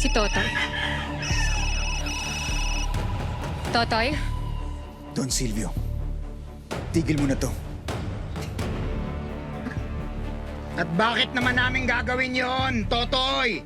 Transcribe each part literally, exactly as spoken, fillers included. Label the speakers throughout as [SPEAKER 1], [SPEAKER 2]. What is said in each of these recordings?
[SPEAKER 1] Si Totoy. Totoy?
[SPEAKER 2] Don Silvio, tigil mo na to.
[SPEAKER 3] At bakit naman namin gagawin yon, Totoy?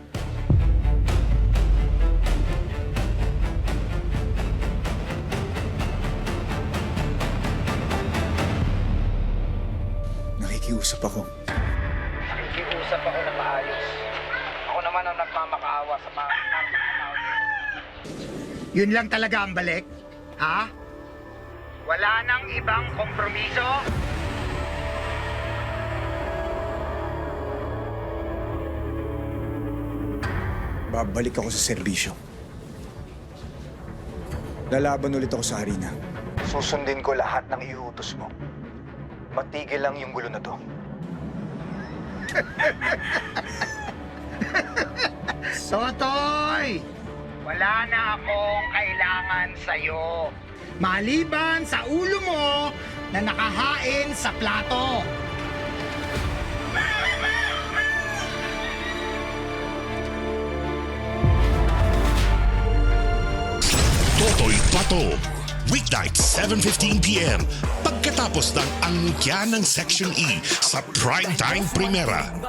[SPEAKER 2] Nakikiusap ako.
[SPEAKER 4] Nakikiusap ako na maayos. Ako naman ang nagmamakaawa sa mga tao.
[SPEAKER 3] Yun lang talaga ang balik? Ha? Wala nang ibang kompromiso?
[SPEAKER 2] Babalik ako sa serbisyo. Lalaban ulit ako sa harina. Susundin ko lahat ng iutos mo. Matigil lang yung gulo na to.
[SPEAKER 3] Totoy! Wala na akong kailangan sa'yo. Maliban sa ulo mo na nakahain sa plato.
[SPEAKER 5] Totoy Pato. Weeknight, seven fifteen p m Pagkatapos ng angkya ng Section E sa Primetime Primera.